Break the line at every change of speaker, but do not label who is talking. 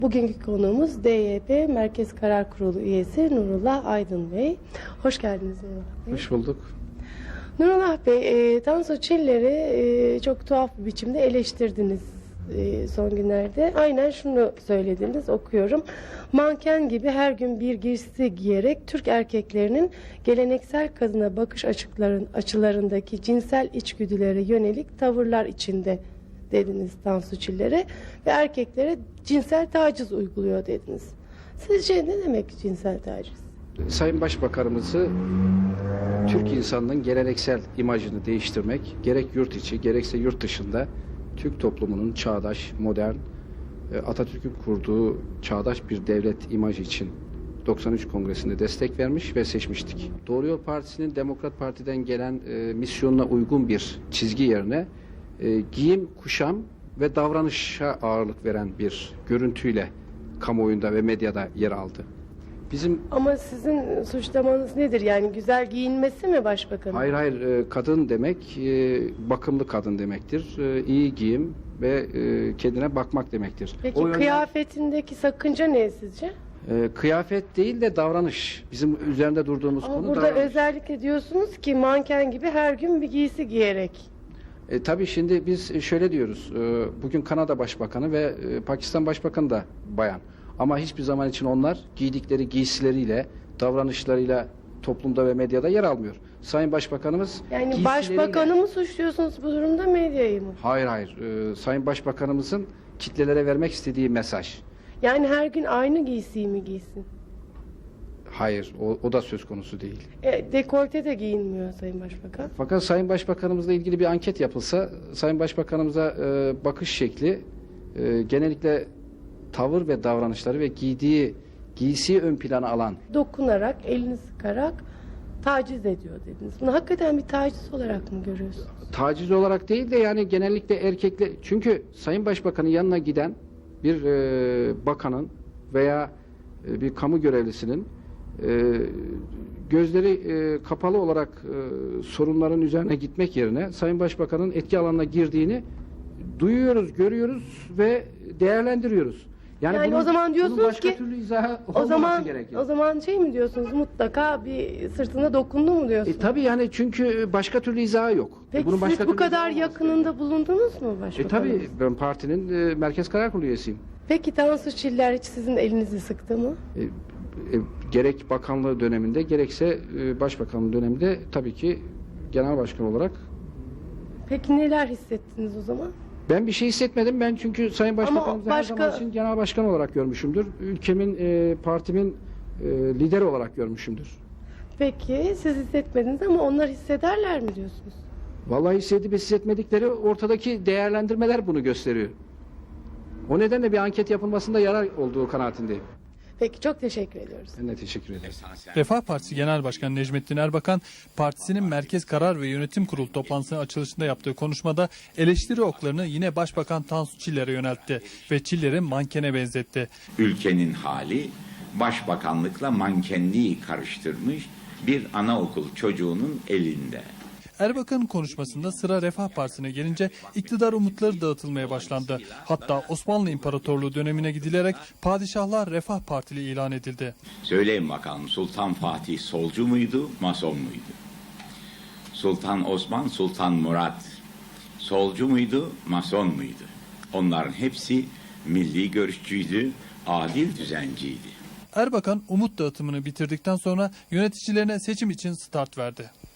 Bugünkü konuğumuz DYP Merkez Karar Kurulu üyesi Nurullah Aydın Bey. Hoş geldiniz Nurullah Bey.
Hoş bulduk.
Nurullah Bey, Tansu Çiller'i çok tuhaf bir biçimde eleştirdiniz son günlerde. Aynen şunu söylediniz, okuyorum. Manken gibi her gün bir giysi giyerek Türk erkeklerinin geleneksel kadına bakış açılarındaki cinsel içgüdülere yönelik tavırlar içinde dediniz Tansu Çiller'e ve erkeklere cinsel taciz uyguluyor dediniz. Sizce ne demek cinsel taciz?
Sayın Başbakanımızı Türk insanının geleneksel imajını değiştirmek, gerek yurt içi gerekse yurt dışında Türk toplumunun çağdaş, modern, Atatürk'ün kurduğu çağdaş bir devlet imajı için 93 Kongresi'nde destek vermiş ve seçmiştik. Doğru Yol Partisi'nin Demokrat Parti'den gelen misyonuna uygun bir çizgi yerine giyim, kuşam ve davranışa ağırlık veren bir görüntüyle kamuoyunda ve medyada yer aldı.
Ama sizin suçlamanız nedir? Yani güzel giyinmesi mi başbakanın?
Hayır, kadın demek bakımlı kadın demektir. İyi giyim ve kendine bakmak demektir.
Peki kıyafetindeki sakınca ne sizce?
Kıyafet değil de davranış. Bizim üzerinde durduğumuz
Ama
konu
burada
davranış.
özellikle diyorsunuz ki manken gibi her gün bir giysi giyerek.
Tabii şimdi biz şöyle diyoruz. Bugün Kanada Başbakanı ve Pakistan Başbakanı da bayan. Ama hiçbir zaman için onlar giydikleri giysileriyle, davranışlarıyla toplumda ve medyada yer almıyor. Sayın Başbakanımız
Yani başbakanı mı suçluyorsunuz bu durumda, medyayı mı?
Hayır. Sayın Başbakanımızın kitlelere vermek istediği mesaj.
Yani her gün aynı giysiyi mi giysin?
Hayır, o da söz konusu değil.
Dekolte de giyinmiyor Sayın Başbakan.
Fakat Sayın Başbakanımızla ilgili bir anket yapılsa, Sayın Başbakanımıza bakış şekli genellikle tavır ve davranışları ve giydiği giysiyi ön plana alan.
Dokunarak, elini sıkarak taciz ediyor dediniz. Bunu hakikaten bir taciz olarak mı görüyorsunuz?
Taciz olarak değil de yani genellikle erkekler. Çünkü Sayın Başbakan'ın yanına giden bir bakanın veya bir kamu görevlisinin gözleri kapalı olarak sorunların üzerine gitmek yerine Sayın Başbakan'ın etki alanına girdiğini duyuyoruz, görüyoruz ve değerlendiriyoruz. Yani
o zaman diyorsunuz
başka
ki
türlü izahı olmaması gerekiyor.
O zaman şey mi diyorsunuz, mutlaka bir sırtına dokundu mu diyorsunuz?
Tabii yani çünkü başka türlü izahı yok.
Peki
Bunun başka
siz bu
türlü
kadar
izahı olmaz
yakınında bulundunuz mu başbakanın?
tabii ben partinin Merkez Karar Kurulu üyesiyim.
Peki Tansu Çiller hiç sizin elinizi sıktı mı?
Gerek bakanlığı döneminde gerekse başbakanlığı döneminde tabii ki genel başkan olarak.
Peki neler hissettiniz o zaman?
Ben bir şey hissetmedim. Ben çünkü Sayın Başbakanımızı her
başka-
zaman için genel başkan olarak görmüşümdür. Ülkemin, partimin lideri olarak görmüşümdür.
Peki siz hissetmediniz ama onlar hissederler mi diyorsunuz?
Vallahi hissedip hissetmedikleri ortadaki değerlendirmeler bunu gösteriyor. O nedenle bir anket yapılmasında yarar olduğu kanaatindeyim.
Peki çok teşekkür ediyoruz.
Ben de teşekkür ederim.
Refah Partisi Genel Başkanı Necmettin Erbakan, partisinin Merkez Karar ve Yönetim Kurulu toplantısının açılışında yaptığı konuşmada eleştiri oklarını yine Başbakan Tansu Çiller'e yöneltti ve Çiller'i mankene benzetti.
Ülkenin hali başbakanlıkla mankenliği karıştırmış bir anaokul çocuğunun elinde.
Erbakan'ın konuşmasında sıra Refah Partisi'ne gelince iktidar umutları dağıtılmaya başlandı. Hatta Osmanlı İmparatorluğu dönemine gidilerek padişahlar Refah Partili ilan edildi.
Söyleyin bakalım, Sultan Fatih solcu muydu, mason muydu? Sultan Osman, Sultan Murat solcu muydu, mason muydu? Onların hepsi milli görüşçüydü, adil düzenciydi.
Erbakan umut dağıtımını bitirdikten sonra yöneticilerine seçim için start verdi.